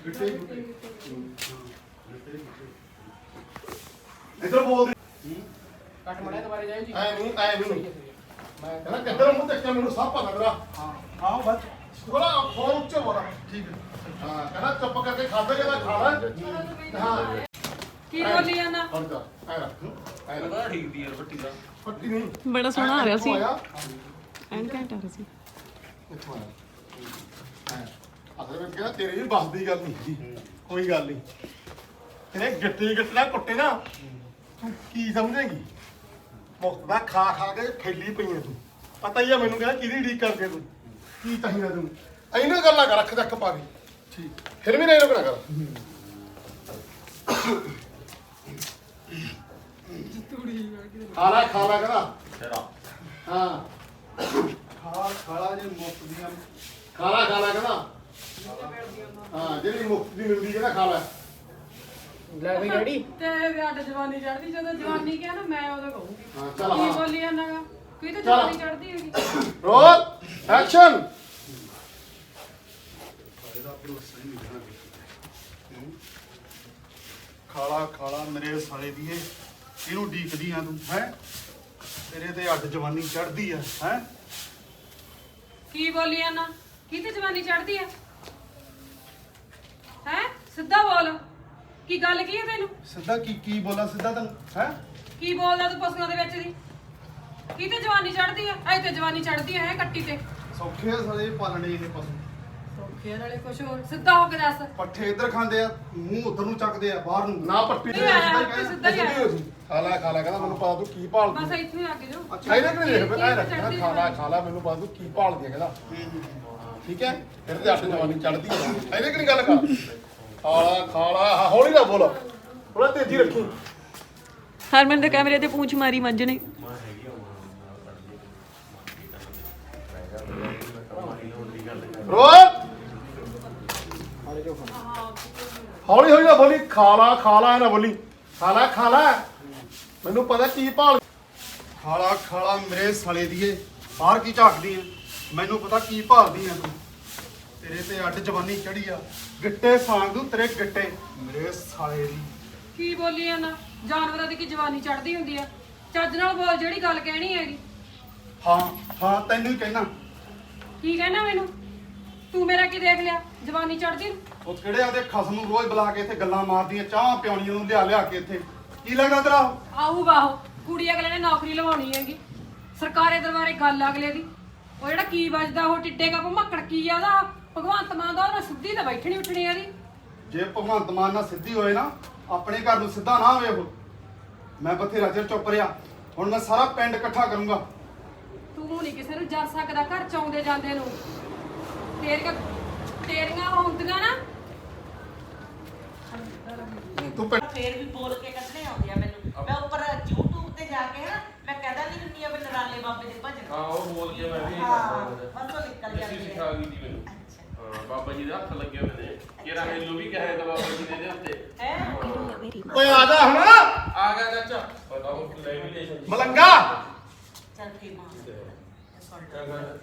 [SPEAKER 1] ਇਧਰ ਬੋਲ
[SPEAKER 3] ਕੱਟ ਮੜਿਆ ਦੁਬਾਰੇ ਜਾਇਓ ਜੀ
[SPEAKER 1] ਐ ਨਹੀਂ ਮੈਂ ਕਹਿੰਦਾ ਕਿੱਧਰ ਮੂੰਹ ਦੇਖਿਆ ਮੈਨੂੰ ਸਭ ਪਤਾ ਤੇਰਾ
[SPEAKER 4] ਹਾਂ ਬਸ
[SPEAKER 1] ਥੋੜਾ ਫੋਨ ਉੱਚੇ ਬੋਲਾ ਠੀਕ ਹੈ ਹਾਂ ਕਹਿੰਦਾ ਚੁੱਪ ਕਰਕੇ ਖਾਦਾ ਜਿਹੜਾ ਖਾਣਾ ਹਾਂ
[SPEAKER 7] ਕੀ ਬੋਲੀ ਜਾਂਦਾ
[SPEAKER 1] ਹੁਣ ਜਾ ਐ ਰੱਖ ਐ ਰੱਖ
[SPEAKER 2] ਪਤਾ ਠੀਕ ਦੀ ਯਾਰ ਫੱਟੀ ਦਾ
[SPEAKER 1] ਫੱਟੀ ਨਹੀਂ
[SPEAKER 6] ਬੜਾ ਸੋਹਣਾ ਆ ਰਿਹਾ ਸੀ
[SPEAKER 1] ਆਇਆ
[SPEAKER 6] ਐਨ ਘੈਂਟ ਆ ਰਿਹਾ ਸੀ
[SPEAKER 1] ਇੱਥੋਂ ਆਇਆ ਅਸਲ ਵਿੱਚ ਕਹਿੰਦਾ ਤੇਰੇ ਵੀ ਬਸ ਦੀ ਗੱਲ ਨਹੀਂ ਕੋਈ ਗੱਲ ਨਹੀਂ ਇਹਨੇ ਗਿੱਟੇ ਗਿੱਟਣਾ ਕੁੱਟੇ ਨਾ ਤੂੰ ਕੀ ਸਮਝੇਗੀ ਮੁਫਤ ਦਾ ਖਾ ਖਾ ਕੇ ਖੇਲੀ ਪਈਆਂ ਤੂੰ ਪਤਾ ਹੀ ਆ ਮੈਨੂੰ ਕਹਿੰਦਾ ਕਿਹਦੀ ਢੀਕ ਕਰਕੇ ਤੂੰ ਕੀ ਚਾਹੀਦਾ ਤੈਨੂੰ ਇਹਨਾਂ ਗੱਲਾਂ ਕਰ ਰੱਖ ਰੱਖ ਪਾ ਦੇ ਠੀਕ ਫਿਰ ਵੀ ਨਹੀਂ ਰੁਕਣਾ ਕਰ ਖਾ ਲੈ ਕਹਿੰਦਾ ਹਾਂ
[SPEAKER 4] ਖਾਲਾ ਜੇ ਮੁਫਤ ਦੀਆਂ
[SPEAKER 1] ਖਾ ਲੈ ਕਹਿੰਦਾ ਹਾਂ ਜਿਹੜੀ ਮੁਫਤ ਦੀ ਮਿਲਦੀ ਹੈ ਨਾ ਖਾ ਲੈ
[SPEAKER 3] ਲੈ ਬਈ ਡੈਡੀ
[SPEAKER 7] ਤੇ ਅੱਡ ਜਵਾਨੀ ਚੜਦੀ ਜਦੋਂ ਜਵਾਨੀ ਕਿਹਾ ਨਾ ਮੈਂ ਉਦੋਂ ਕਹੂੰਗੀ
[SPEAKER 1] ਹਾਂ ਚੱਲ
[SPEAKER 7] ਕੀ
[SPEAKER 1] ਹਾਂ
[SPEAKER 7] ਬੋਲੀ ਜਾਂਦਾ ਗਾ ਕੋਈ ਤਾਂ ਜਵਾਨੀ ਚੜਦੀ ਹੈਗੀ
[SPEAKER 1] ਰੋਲ ਐਕਸ਼ਨ
[SPEAKER 4] ਇਹਦਾ ਭਰੋਸਾ ਹੀ ਨਹੀਂ ਰਹਿਣਾ ਖਾਲਾ ਮੇਰੇ ਸਾਲੇ ਦੀ ਇਹਨੂੰ ਢੀਕਦੀ ਆ ਤੂੰ ਹੈ ਤੇਰੇ ਤੇ ਅੱਡ ਜਵਾਨੀ ਚੜਦੀ ਆ ਹੈ
[SPEAKER 7] ਕੀ ਬੋਲੀ ਜਾਂਦਾ ਕੀ ਤੇ ਜਵਾਨੀ ਚੜਦੀ ਹੈ ਹੈ ਸਿੱਧਾ ਬੋਲ ਕੀ ਗੱਲ ਕੀ ਹੈ ਤੈਨੂੰ
[SPEAKER 4] ਸਿੱਧਾ ਕੀ ਬੋਲਾਂ ਸਿੱਧਾ ਤੈਨੂੰ ਹੈ
[SPEAKER 7] ਕੀ ਬੋਲਦਾ ਤੂੰ ਪਸ਼ੂਆਂ ਦੇ ਵਿੱਚ ਦੀ ਕੀ ਤੇ ਜਵਾਨੀ ਚੜਦੀ ਹੈ ਐ ਤੇ ਜਵਾਨੀ ਚੜਦੀ ਹੈ ਕੱਟੀ ਤੇ
[SPEAKER 4] ਸੌਖੇ ਆ ਸਾਲੇ ਪਾਲਣੇ ਇਹ ਪਸ਼ੂ
[SPEAKER 7] ਦੇਖਿਆ ਨਾਲੇ ਕੁਛ ਹੋਰ ਸਿੱਧਾ ਹੋ ਕੇ ਦੱਸ
[SPEAKER 4] ਪੱਠੇ ਇੱਧਰ ਖਾਂਦੇ ਆ ਮੂੰਹ ਉਧਰ ਨੂੰ ਚੱਕਦੇ ਆ ਬਾਹਰ ਨੂੰ।
[SPEAKER 1] ਨਾ ਪੱਟੀ
[SPEAKER 7] ਨਹੀਂ ਆਇਆ, ਆਪੇ ਸਿੱਧਾ ਹੀ ਆਇਆ।
[SPEAKER 1] ਖਾ ਲੈ ਕਹਿੰਦਾ ਮੈਨੂੰ ਪਤਾ ਤੂੰ ਕੀ ਭਾਲਦੀ
[SPEAKER 7] ਬਸ ਇੱਥੇ ਹੀ ਆ ਕੇ ਜੋ
[SPEAKER 1] ਅੱਛਾ ਇਹਨੇ ਕਿ ਦੇਖ ਮੈਂ ਰੱਖਣਾ ਖਾ ਲੈ ਮੈਨੂੰ ਪਤਾ ਤੂੰ ਕੀ ਭਾਲਦੀ ਹੈ ਕਹਿੰਦਾ ਠੀਕ ਹੈ ਫਿਰ ਤੇ ਅੱਠ ਜਵਾਨੀ ਚੜਦੀ ਹੈ ਇਹਨੇ ਕਿ ਨਹੀਂ ਗੱਲ ਕਰ ਖਾ ਲਾ ਹੌਲੀ ਨਾ ਬੋਲ ਥੋੜਾ ਤੇਜ਼ੀ ਰੱਖੀ
[SPEAKER 6] ਹਰਮਨ ਦੇ ਕੈਮਰੇ ਤੇ ਪੂੰਛ ਮਾਰੀ ਮੰਜ ਨੇ
[SPEAKER 1] ਰੋਕ ਹੌਲੀ ਹੌਲੀ ਨਾ ਬੋਲੀ ਖਾ ਲਾ ਨਾ ਬੋਲੀ ਖਾ ਲਾ ਮੈਨੂੰ ਪਤਾ ਕੀ ਭਾਲ
[SPEAKER 4] ਖਾਲਾ ਮੇਰੇ ਸਾਲੇ ਦੀਏ ਬਾਹਰ ਕੀ ਝਾਕਦੀ ਆ ਮੈਨੂੰ ਪਤਾ ਕੀ ਭਾਲਦੀ ਆ ਤੂੰ। ਤੇਰੇ ਤੇ ਅੱਡ ਜਵਾਨੀ ਚੜੀ ਆ ਗਿੱਟੇ ਸਾਂਗ ਦੂੰ ਤੇਰੇ ਗਿੱਟੇ ਮੇਰੇ ਸਾਲੇ ਦੀ।
[SPEAKER 7] ਕੀ ਬੋਲੀ ਆ ਨਾ ਜਾਨਵਰਾਂ ਦੀ ਕੀ ਜਵਾਨੀ ਚੜਦੀ ਹੁੰਦੀ ਆ ਚੱਜ ਨਾਲ ਬੋਲ ਜਿਹੜੀ ਗੱਲ ਕਹਿਣੀ ਹੈਗੀ
[SPEAKER 4] ਹਾਂ ਤੈਨੂੰ ਹੀ ਕਹਿਣਾ।
[SPEAKER 7] ਕੀ ਕਹਿਣਾ ਮੈਨੂੰ ਤੂੰ ਮੇਰਾ ਕੀ ਦੇਖ ਲਿਆ ਜਵਾਨੀ ਚੜਦੀ ਨੂੰ
[SPEAKER 4] ਉਹ ਕਿਹੜੇ ਆਦੇ ਖਸਮ ਨੂੰ ਰੋਜ਼ ਬੁਲਾ ਕੇ ਇੱਥੇ ਗੱਲਾਂ ਮਾਰਦੀਆਂ ਚਾਹ ਪਿਆਉਣੀਆਂ ਨੂੰ ਲਿਆ ਕੇ ਇੱਥੇ ਕੀ ਲੱਗਦਾ ਤੇਰਾ?
[SPEAKER 7] ਆਹੂ ਬਾਹੋ ਕੁੜੀ ਅਗਲੇ ਨੇ ਨੌਕਰੀ ਲਵਾਉਣੀ ਹੈਗੀ ਸਰਕਾਰੀ ਦਰਬਾਰੇ ਗੱਲ ਅਗਲੇ ਦੀ ਉਹ ਜਿਹੜਾ ਕੀ ਵੱਜਦਾ ਉਹ ਟਿੱਡੇ ਕਾ ਭਮੱਕੜ ਕੀ ਆ ਉਹਦਾ ਭਗਵੰਤ ਮਾਨ ਦਾ ਉਹਨਾਂ ਸਿੱਧੀ ਤਾਂ ਬੈਠਣੀ ਉੱਠਣੀ ਇਹਦੀ
[SPEAKER 4] ਜੇ ਭਗਵੰਤ ਮਾਨ ਨਾਲ ਸਿੱਧੀ ਹੋਏ ਨਾ ਆਪਣੇ ਘਰ ਨੂੰ ਸਿੱਧਾ ਨਾ ਹੋਵੇ ਉਹ। ਮੈਂ ਬਥੇਰਾ ਚਿਰ ਚੁੱਪ ਰਿਹਾ ਹੁਣ ਮੈਂ ਸਾਰਾ ਪਿੰਡ ਇਕੱਠਾ ਕਰੂੰਗਾ।
[SPEAKER 7] ਤੂੰ ਨਹੀਂ ਕਿਸੇ ਨੂੰ ਜਰ ਸਕਦਾ ਘਰ ਚ ਆਉਂਦੇ ਜਾਂਦੇ ਨੂੰ ਤੇਰੀਆਂ ਹੁੰਦੀਆਂ ਨਾ
[SPEAKER 1] ਤੂੰ
[SPEAKER 8] ਫੇਰ ਵੀ ਬੋਲ ਕੇ ਕੱਢਣੇ ਆਉਂਦੇ ਆ ਮੈਨੂੰ। ਮੈਂ ਉੱਪਰ YouTube ਤੇ ਜਾ ਕੇ ਨਾ ਮੈਂ ਕਹਿਦਾ ਨਹੀਂ ਹੁੰਦੀ ਆ ਵੀ ਨਰਾਲੇ ਬਾਬੇ ਦੇ ਭਜਨ।
[SPEAKER 2] ਹਾਂ ਉਹ ਬੋਲ ਕੇ ਮੈਂ ਵੀ
[SPEAKER 8] ਹਾਂ ਬਸ ਉਹ ਨਿਕਲ
[SPEAKER 2] ਜੱਸੀ
[SPEAKER 8] ਜਾਂਦੇ
[SPEAKER 2] ਸਿਖਾ
[SPEAKER 8] ਆ।
[SPEAKER 2] ਗਈ ਸੀ ਮੈਨੂੰ ਹਾਂ ਬਾਬਾ ਜੀ ਦੇ ਹੱਥ ਲੱਗੇ ਹੋਏ ਨੇ ਕਿਹੜਾ ਮੈਨੂੰ ਵੀ ਕਹੇ ਤਾਂ ਬਾਬਾ ਜੀ ਦੇ ਉੱਤੇ
[SPEAKER 8] ਹੈ
[SPEAKER 1] ਓਏ ਆ ਜਾ ਹੁਣ
[SPEAKER 2] ਆ ਗਿਆ ਚਾਚਾ ਪਤਾ ਉਹ ਲੈਮੀਨੇਸ਼ਨ
[SPEAKER 1] ਮਲੰਗਾ
[SPEAKER 8] ਚੱਲ ਕੇ ਮਾਰ ਸੁਣ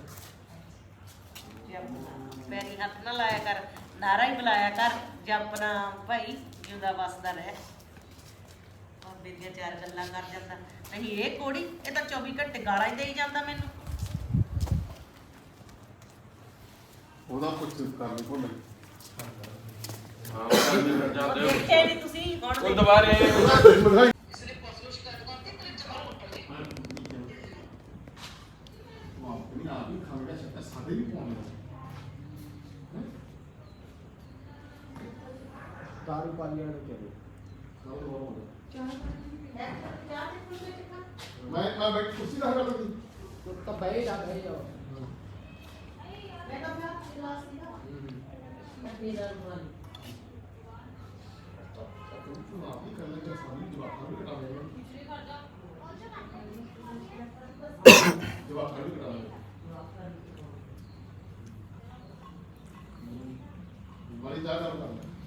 [SPEAKER 8] ਪੈਰੀ ਹੱਥ ਨਾ ਲਾਇਆ ਕਰ ਨਾਰਾ ਹੀ ਬੁਲਾਇਆ ਕਰ ਜਪਨਾ ਭਾਈ ਜਿਉਂਦਾ ਵਸਦਾ ਰਹਿ ਬਾਬੇ ਦੀਆਂ ਚਾਰ ਗੱਲਾਂ ਕਰ ਜਾਂਦਾ ਨਹੀਂ ਇਹ ਕੋੜੀ ਇਹ ਤਾਂ 24 ਘੰਟੇ ਗਾਲਾਂ ਹੀ ਦੇਈ ਜਾਂਦਾ ਮੈਨੂੰ।
[SPEAKER 1] ਉਹਦਾ ਕੁਝ ਕਰਨੀ ਭੁੱਲ ਗਈ
[SPEAKER 2] ਹਾਂ ਉਹ ਜਾਂਦੇ ਹੋ
[SPEAKER 8] ਦੇਖੇ ਨਹੀਂ ਤੁਸੀਂ ਹੁਣ
[SPEAKER 2] ਉਹ ਦੁਬਾਰੇ
[SPEAKER 1] ਸਾਡੇ ਵੀ ਪਾਉਣੇ
[SPEAKER 3] ਦਾਰੂ ਪਾਲੀਆਂ ਨੇ ਕਿਹਾ
[SPEAKER 1] ਮੈਂ ਬੈਠ ਕੁਰਸੀ ਦਾ ਹਟਾ ਦਿੱਤੀ
[SPEAKER 3] ਤੂੰ ਤਾਂ ਬਹਿ ਜਾ
[SPEAKER 1] ਵਾਲੀ ਜਾ ਕਰ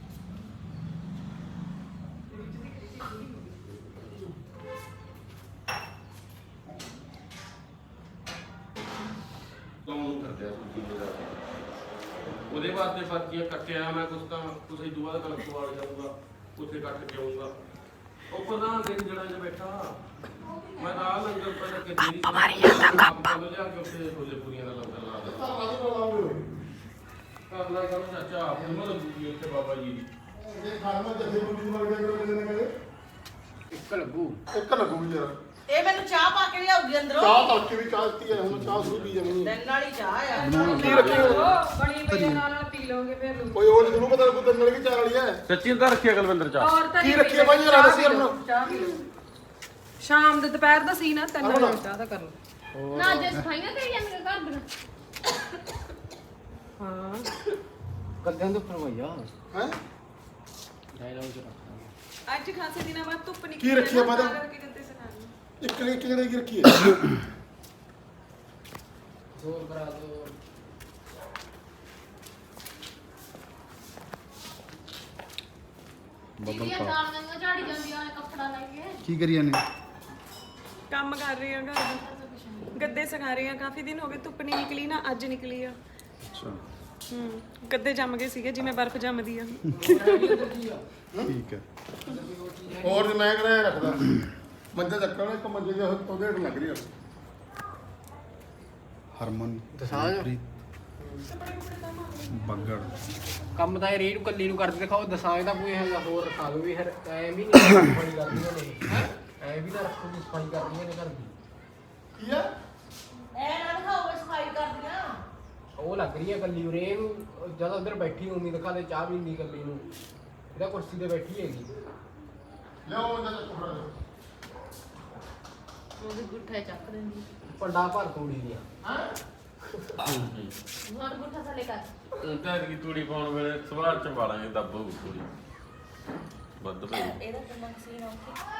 [SPEAKER 2] ਕੌਣ ਕਰਦੇ ਆ ਸੂਚੀ ਦੇ ਉਹਦੇ ਵਾਸਤੇ ਪਰਚੀਆਂ ਕੱਟਿਆ ਮੈਂ ਕੁਛ ਤਾਂ ਕੁਛ ਹੀ ਦੁਆ ਦਾ ਕਲਕ ਵਾਲ ਜਾਊਗਾ ਉੱਥੇ ਕੱਟ ਕੇ ਆਊਗਾ ਉਹ ਪ੍ਰਧਾਨ ਦੇ ਜਿਹੜਾ ਜੇ ਬੈਠਾ ਮੈਂ ਤਾਂ ਲੰਗਰ ਪਹਿਲਾਂ ਕਿ ਦੇਰੀ ਮਾਰੀ ਜਾਂਦਾ ਕੱਲ ਲਿਆ ਕੇ ਉੱਥੇ ਛੋਲੇ ਪੂਰੀਆਂ ਦਾ ਲੰਗਰ ਲਾ ਦਿੱਤਾ ਕਰਨਾ ਕਰੋ ਚਾਚਾ ਆਪਣੀ ਮਦਦ ਕੀਤੀ ਉੱਥੇ ਬਾਬਾ ਜੀ ਦੀ
[SPEAKER 1] ਇਹ ਖਾਣਾ ਜੱਥੇ ਬੁੱਢੀ ਮਰ ਗਿਆ ਕਿਹੜੇ ਨੇ ਕਹਿੰਦੇ
[SPEAKER 3] ਇੱਕ ਲੱਗੂ
[SPEAKER 1] ਇੱਕ ਲੱਗੂ ਯਾਰ
[SPEAKER 8] ਇਹ ਮੈਨੂੰ ਚਾਹ ਪਾ ਕੇ ਲਿਆਉਗੀ ਅੰਦਰੋਂ।
[SPEAKER 1] ਚਾਹ ਤੜਕੇ ਵੀ ਚਾਹ ਦਿੱਤੀ ਹੈ ਹੁਣ ਚਾਹ ਸ਼ੁਰੂ ਪੀ ਜਾਣੀ
[SPEAKER 8] ਦਿਨ ਵਾਲੀ ਚਾਹ ਆ।
[SPEAKER 1] ਕੀ ਰੱਖੀ
[SPEAKER 7] ਬਣੀ ਪਈ ਨਾਲ ਪੀ ਲਓਗੇ ਫਿਰ ਨੂੰ
[SPEAKER 1] ਕੋਈ ਉਹ ਜਿਹਨੂੰ ਪਤਾ ਕੋਈ ਦੰਨਲ ਕੀ ਚਾਹ ਵਾਲੀ ਹੈ
[SPEAKER 2] ਸੱਚੀ ਤਾਂ ਰੱਖਿਆ ਕਲਵਿੰਦਰ ਚਾਹ
[SPEAKER 7] ਔਰ ਤਾਂ
[SPEAKER 1] ਕੀ ਰੱਖੀ ਬਾਈ ਯਾਰ ਦੱਸੀ ਆਪਣਾ
[SPEAKER 7] ਚਾਹ ਪੀ ਲਓ ਸ਼ਾਮ ਦੇ ਦੁਪਹਿਰ ਦਾ ਸੀ ਨਾ 3 ਵਜੇ ਚਾਹ ਦਾ ਕਰ ਲਓ
[SPEAKER 9] ਨਾ ਜੇ ਸਫਾਈਆਂ ਕਰੀ ਜਾਂਦੇ ਘਰ ਦੀਆਂ
[SPEAKER 7] ਹਾਂ
[SPEAKER 3] ਗੱਦਾਂ ਦੇ ਉੱਪਰ ਭਈਆ
[SPEAKER 1] ਹੈ
[SPEAKER 3] ਡਾਇਲੌਗ ਚ ਰੱਖਾਂਗੇ।
[SPEAKER 6] ਅੱਜ ਖਾਸੇ ਦਿਨਾਂ ਬਾਅਦ ਧੁੱਪ ਨਿਕਲੀ
[SPEAKER 1] ਕੀ ਰੱਖੀ ਆ ਮਾਤਾ? ਇੱਕ ਜਣੇ ਕੀ ਰੱਖੀ ਹੈ
[SPEAKER 3] ਜ਼ੋਰ ਕਰਾ ਦੋ
[SPEAKER 9] ਜਿਹੜੀਆਂ ਦਾਣਾਂ ਝਾੜੀ ਜਾਂਦੀਆਂ ਨੇ ਕੱਪੜਾ ਲੈ ਕੇ
[SPEAKER 4] ਕੀ ਕਰੀ ਜਾਂਦੇ?
[SPEAKER 6] ਕੰਮ ਕਰ ਰਹੀ ਹਾਂ ਘਰ ਦਾ ਗੱਦੇ ਸੁਕਾ ਰਹੀ ਹਾਂ ਕਾਫੀ ਦਿਨ ਹੋ ਗਏ ਧੁੱਪ ਨਹੀਂ ਨਿਕਲੀ ਨਾ ਅੱਜ ਨਿਕਲੀ ਆ
[SPEAKER 4] ਅੱਛਾ
[SPEAKER 6] ਗੱਦੇ ਜੰਮ ਗਏ ਸੀਗੇ ਜਿਵੇਂ ਬਰਫ਼ ਜੰਮਦੀ ਆ
[SPEAKER 4] ਠੀਕ ਹੈ।
[SPEAKER 1] ਹੋਰ ਜੇ ਮੈਂ ਕਰਿਆ ਰੱਖਦਾ ਮੰਜਾ ਚੱਕਣਾ ਇੱਕ ਮੰਜੇ ਦੇ ਉਹਦੇ ਢ ਲੱਗ ਰਹੀ ਹੈ
[SPEAKER 4] ਹਰਮਨ
[SPEAKER 3] ਦਸਾਂਜ
[SPEAKER 4] ਬੱਗੜ
[SPEAKER 3] ਕੰਮ ਤਾਂ ਇਹ ਰੀਡ ਕੱਲੀ ਨੂੰ ਕਰਦੇ ਦਿਖਾਓ ਦਸਾਂਜ ਦਾ ਕੋਈ ਹੈਗਾ ਹੋਰ ਰਖਾ ਲਓ ਵੀ ਫਿਰ ਐ ਵੀ ਨਹੀਂ ਸਫਾਈ ਕਰਦੀਆਂ ਨੇ ਐ ਵੀ ਤਾਂ ਰੱਖੋ ਵੀ ਸਫਾਈ ਕਰਦੀਆਂ ਨੇ ਘਰ ਦੀ
[SPEAKER 1] ਕੀ ਹੈ
[SPEAKER 8] ਐ ਨਾ ਦਿਖਾਓ ਸਫਾਈ ਕਰਦੀਆਂ
[SPEAKER 3] ਉਹ ਲੱਗ ਰਹੀ ਹੈ ਕੱਲੀ ਉਰੇ ਇਹਨੂੰ ਜਦ ਉਧਰ ਬੈਠੀ ਉਮੀ ਦਿਖਾ ਦੇ ਚਾਹ ਪੀਂਦੀ ਕੱਲੀ ਨੂੰ ਇਹਦਾ ਕੁਰਸੀ ਤੇ ਬੈਠੀ ਹੈਗੀ
[SPEAKER 1] ਲਿਓ ਜਦ ਕੋੜਾ
[SPEAKER 9] ਉਹਦੇ ਗੁੱਠਾ ਚੱਕ ਦਿੰਦੀ
[SPEAKER 3] ਪੰਡਾ ਭਰ ਤੂੜੀ ਦੀਆਂ
[SPEAKER 9] ਹੁਣ ਗੁੱਠਾ ਥੱਲੇ ਕਰ
[SPEAKER 2] ਤਾਂ ਕੀ ਤੂੜੀ ਪਾਉਣ ਵੇਲੇ ਸਵਾਰ ਚ ਵਾਲਾਂਗੇ ਦੱਬ ਹੋਊ ਤੂੜੀ ਵੱਧ ਪਈ
[SPEAKER 8] ਇਹਦਾ ਦਿਮਾਗ ਸੀ ਨਾ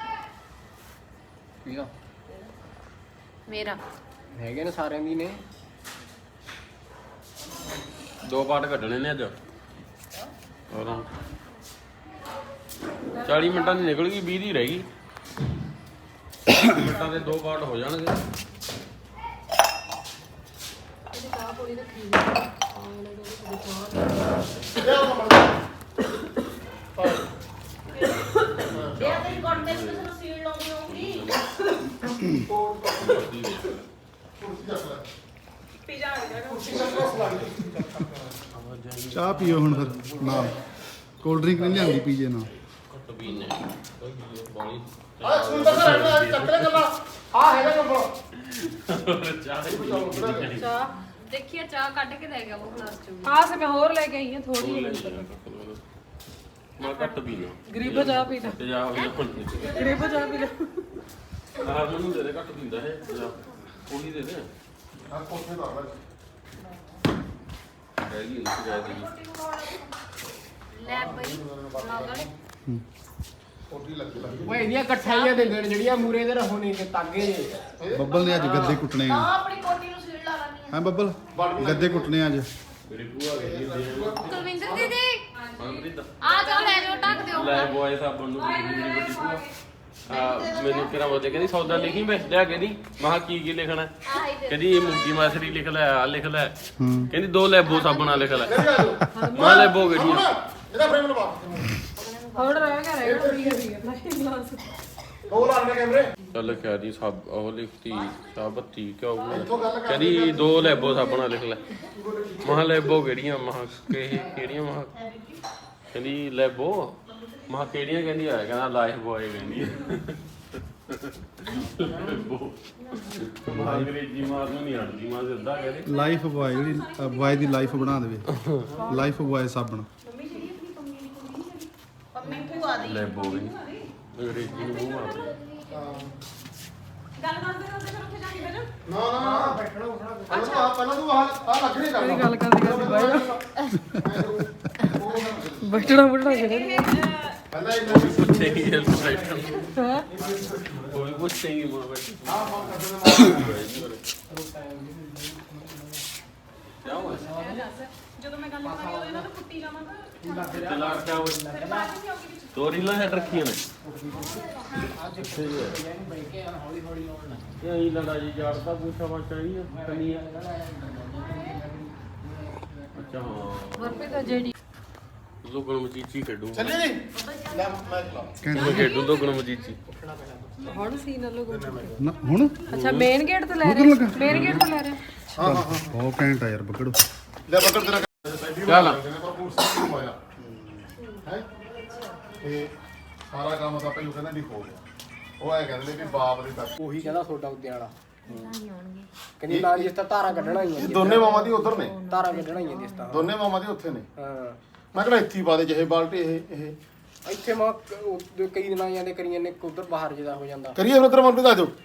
[SPEAKER 3] ਪੀਦਾ
[SPEAKER 9] ਮੇਰਾ
[SPEAKER 3] ਹੈਗੇ ਨੇ ਸਾਰਿਆਂ ਦੀ ਨੇ
[SPEAKER 2] 2 ਪਾਰਟ ਕੱਢਣੇ ਨੇ ਅੱਜ ਹੋਰ 40 ਮਿੰਟਾਂ ਦੀ ਨਿਕਲ ਗਈ 20 ਦੀ ਰਹਿ ਗਈ ਮਿੰਟਾਂ ਦੇ 2 ਪਾਰਟ ਹੋ ਜਾਣਗੇ
[SPEAKER 9] ਇਹਦੀ ਚਾਹ ਪੋੜੀ ਰੱਖੀ
[SPEAKER 8] ਇਹ ਤੇਰੀ ਕੋਟ ਤੇ ਕਿਸੇ ਨੂੰ ਸੀਲ ਲਾਉਣੀ ਹੋਊਗੀ
[SPEAKER 6] ਪੀ ਜਾਣਗੇ
[SPEAKER 4] ਚਾਹ ਪੀਓ ਹੁਣ ਫਿਰ ਨਾਲ ਕੋਲਡ ਡਰਿੰਕ ਨਹੀਂ ਲਿਆਂਦੀ ਪੀਜੇ ਨਾਲ
[SPEAKER 2] ਘੱਟ ਪੀਨੇ ਬੋਲੀ
[SPEAKER 1] ਆ ਸੁੰਦਰ ਦਾ ਰਹਿਣਾ ਚੱਕਰੇ ਗੱਲਾਂ ਆ ਹੈਗਾ ਕੰਬਲ
[SPEAKER 2] ਚਾਹ ਹੀ ਪੀਣੀ
[SPEAKER 9] ਚਾਹ ਦੇਖੀਏ ਚਾਹ ਕੱਢ ਕੇ ਲੈ ਗਿਆ ਉਹ ਗਲਾਸ ਚ
[SPEAKER 5] ਹਾਂ ਸੇ ਮੈਂ ਹੋਰ ਲੈ ਕੇ ਆਈ ਹਾਂ ਥੋੜੀ
[SPEAKER 2] ਮੈਂ ਘੱਟ ਪੀਣਾ
[SPEAKER 5] ਗਰੀਬ ਚਾਹ ਪੀ ਲੈ
[SPEAKER 2] ਤੇ ਜਾ ਹੋ
[SPEAKER 5] ਗਰੀਬ ਚਾਹ ਪੀ ਲੈ
[SPEAKER 2] ਆਹ ਮੈਨੂੰ ਦੇ ਦੇ ਘੱਟ ਪੀਂਦਾ ਹੈ ਜਾ ਉਹੀ ਦੇ ਦੇ
[SPEAKER 1] ਆ ਕੋਠੇ ਦਾ
[SPEAKER 2] ਰਹਿ ਗਈ ਨਹੀਂ ਜਾ ਦੀ
[SPEAKER 9] ਲੈ ਬਈ ਲਾਉਗਾ
[SPEAKER 1] ਕੋਠੀ ਲੱਗੀ
[SPEAKER 3] ਓਏ ਇਹਦੀਆਂ ਇਕੱਠਾਈਆਂ ਦਿੰਦੇ ਨੇ ਜਿਹੜੀਆਂ ਮੂਰੇ ਦੇ ਰਹੋ ਨਹੀਂ ਕਿ ਤਾਗੇ ਜੇ
[SPEAKER 4] ਬੱਬਲ ਨੇ ਅੱਜ ਗੱਦੇ ਕੁੱਟਣੇ ਆ
[SPEAKER 9] ਆਪਣੀ ਕੋਟੀ ਨੂੰ ਸੀਲ ਲਾ ਲੈਣੀ
[SPEAKER 4] ਹੈ ਬੱਬਲ ਗੱਦੇ ਕੁੱਟਣੇ ਅੱਜ
[SPEAKER 2] ਮੇਰੀ ਭੂਆ ਗਈ ਦੇ
[SPEAKER 9] ਕੁਲਵਿੰਦਰ ਦੀਦੀ
[SPEAKER 2] ਮਨਪ੍ਰੀਤ
[SPEAKER 9] ਆ ਜਾਓ ਲੈ ਜਾਓ ਢੱਕ ਦਿਓ
[SPEAKER 2] ਲੈ ਬੋਏ ਸਾਬਣ ਨੂੰ ਮੇਰੀ ਵੱਡੀ ਭੂਆ ਮੈਨੂੰ ਕਿਹੜਾ ਬੋਲਦੇ ਕਹਿੰਦੀ ਸੌਦਾ ਲਿਖੀ ਮੈਂ ਲਿਆ ਕਹਿੰਦੀ ਮਹਾ ਕੀ ਲਿਖਣਾ
[SPEAKER 9] ਆਹੀ ਦੇ
[SPEAKER 2] ਕਹਿੰਦੀ ਇਹ ਮੂੰਗੀ ਮਾਸਰੀ ਲਿਖ ਲੈ ਆ ਲਿਖ ਲੈ
[SPEAKER 4] ਹੂੰ
[SPEAKER 2] ਕਹਿੰਦੀ 2 ਲੈਬੋ ਸਾਬਣਾ ਲਿਖ ਲੈ ਮੈਂ ਲੈਬੋ ਕਿਹੜੀਆਂ
[SPEAKER 1] ਇਹਦਾ ਫਰੇਮ ਲਵਾ
[SPEAKER 5] ਹੋਰ ਰਹਿ ਗਿਆ ਪੀ ਗਿਆ ਗਲਾਸ
[SPEAKER 1] ਦੋ ਲਾਣੇ ਕੈਮਰੇ
[SPEAKER 2] ਚੱਲ ਕਿਹਾ ਜੀ ਸਭ ਉਹ ਲਿਖਤੀ ਸਾਬਤੀ ਕਿਉਂ ਕਹਿੰਦੀ 2 ਲੈਬੋ ਸਾਬਣਾ ਲਿਖ ਲੈ ਮਹਾ ਲੈਬੋ ਕਿਹੜੀਆਂ ਮਹਾ ਕਿਹੜੀਆਂ ਮਹਾ ਕਹਿੰਦੀ ਲੈਬੋ ਮਹਾ ਕਿਹੜੀਆਂ ਕਹਿੰਦੀ ਆ ਕਹਿੰਦਾ ਲਾਈਫ ਬੋਏ ਕਹਿੰਦੀ ਲੈਬੋ ਮਹਾ ਅੰਗਰੇਜ਼ੀ ਮਾਰ ਨੂੰ ਨਹੀਂ ਆਉਂਦੀ ਮਾਂ ਸਿੱਧਾ ਕਹਿੰਦੀ
[SPEAKER 4] ਲਾਈਫ ਬॉय ਜਿਹੜੀ ਬॉय ਦੀ ਲਾਈਫ ਬਣਾ ਦੇਵੇ ਲਾਈਫ ਬॉय ਸਾਬਣ
[SPEAKER 8] ਪੰਮੀ ਭੂਆ ਦੀ
[SPEAKER 2] ਲੈਬੋ ਵੀ ਅੰਗਰੇਜ਼ੀ ਨੂੰ ਮੂੰਹ ਮਾਰਦੇ
[SPEAKER 6] ਗੱਲ ਕਰਦੇ ਕਰਦੇ ਫਿਰ ਉੱਥੇ ਜਾ ਕੇ ਬੈਠੋ
[SPEAKER 1] ਨਾ ਨਾ ਬੈਠਣਾ ਉੱਠਣਾ ਪਹਿਲਾਂ ਤੂੰ ਆ ਲੱਗ ਨਹੀਂ ਕਰਦਾ
[SPEAKER 5] ਗੱਲ ਕਰਦੇ ਬਾਈ ਬੈਠਣਾ ਬੁੱਢਣਾ ਕਿਹੜੇ
[SPEAKER 1] ਪਹਿਲਾਂ ਇਹਨਾਂ ਨੂੰ
[SPEAKER 2] ਪੁੱਛੇਗੀ ਹੈਲਪ ਬੈਠਣ
[SPEAKER 5] ਹਾਂ
[SPEAKER 2] ਕੋਈ ਪੁੱਛੇਗੀ ਮਾਂ ਬੈਠੀ
[SPEAKER 1] ਆ ਫੋਨ ਕਰਦੇ ਨੇ
[SPEAKER 2] ਕਿਆ ਹੋਇਆ
[SPEAKER 6] ਜਦੋਂ ਮੈਂ ਗੱਲ ਕਰਾਂਗੀ ਉਦੋਂ ਇਹਨਾਂ ਨੂੰ ਕੁੱਟੀ ਜਾਵਾਂਗਾ
[SPEAKER 2] ਚਲਾ ਕਿਆ ਹੋਇਆ
[SPEAKER 6] ਫਿਰ ਬਾਅਦ ਵਿੱਚ ਆਉਗੀ ਵਿੱਚ
[SPEAKER 2] ਦੋ ਰੀਲਾਂ ਹੈਡ ਰੱਖੀਆਂ ਨੇ
[SPEAKER 3] ਹੌਲੀ ਹੌਲੀ ਆਉਣ ਲੱਗ
[SPEAKER 2] ਇਹ ਆਈ ਲੜਾ ਜੀ ਜਾੜਦਾ ਪੁੱਛਾ ਵਾ ਚਾਹੀਏ ਕੰਨੀਆਂ ਅੱਛਾ ਹਾਂ
[SPEAKER 5] ਵਰਪੇ ਦਾ ਜਿਹੜੀ
[SPEAKER 2] ਲੋਗਣ ਮਚੀਚੀ ਖੇਡੂ
[SPEAKER 1] ਚੱਲੀ ਨਹੀਂ ਲੈ ਮੈਂ ਚਲਾ
[SPEAKER 2] ਮੈਂ ਖੇਡੂ ਲੋਗਣ ਮਚੀਚੀ
[SPEAKER 5] ਹੁਣ ਸੀ ਨਾ ਲੋਗੋ
[SPEAKER 4] ਨਾ ਹੁਣ
[SPEAKER 5] ਅੱਛਾ ਮੇਨ ਗੇਟ ਤੋਂ ਲੈ ਰਹੇ ਮੇਨ ਗੇਟ ਤੋਂ ਲੈ ਰਹੇ
[SPEAKER 1] ਹਾਂ ਹਾਂ ਹਾਂ
[SPEAKER 4] ਬਹੁਤ ਘੈਂਟ ਆ ਯਾਰ ਬੱਕੜੋ
[SPEAKER 1] ਲੈ ਬੱਕਰ ਤੇਰਾ
[SPEAKER 2] ਚੱਲ।
[SPEAKER 1] ਪਰ ਪੂਰ ਸਿੰਘ ਹੋਇਆ ਹੈ ਤੇ ਸਾਰਾ ਕੰਮ ਤਾਂ ਪਹਿਲਾਂ ਕਹਿੰਦਾ ਨਹੀਂ ਹੋ ਗਿਆ ਉਹ ਐ ਕਹਿੰਦੇ ਨੇ ਵੀ ਬਾਪ ਦੇ ਤੱਕ
[SPEAKER 3] ਉਹੀ ਕਹਿੰਦਾ ਤੁਹਾਡਾ ਉੱਤੇ ਵਾਲਾ ਕਹਿੰਦੀ ਨਾ ਜਿਸ ਤਾਂ ਧਾਰਾ ਕੱਢਣਾ ਹੀ ਹੈ
[SPEAKER 1] ਦੋਨੇ ਮਾਮਾ ਦੀ ਉਧਰ ਨੇ
[SPEAKER 3] ਧਾਰਾ ਕੱਢਣਾ ਹੀ ਹੈ ਜਿਸ ਤਾਂ
[SPEAKER 1] ਦੋਨੇ ਮਾਮਾ ਦੀ ਉੱਥੇ ਨੇ
[SPEAKER 3] ਹਾਂ
[SPEAKER 1] ਮੈਂ ਕਿਹੜਾ ਇੱਥੇ ਹੀ ਪਾ ਦੇ ਜਿਹੇ ਬਾਲਟੀ ਇਹ
[SPEAKER 3] ਇੱਥੇ ਮਾ ਕਈ ਦਿਨਾਂ ਜਾਂਦੇ ਕਰੀਆਂ ਨੇ ਉਧਰ ਬਾਹਰ ਜਿਹਦਾ ਹੋ ਜਾਂਦਾ
[SPEAKER 1] ਕਰੀਏ ਫਿਰ ਉਧਰ ਮਨ ਦਾ ਜੋ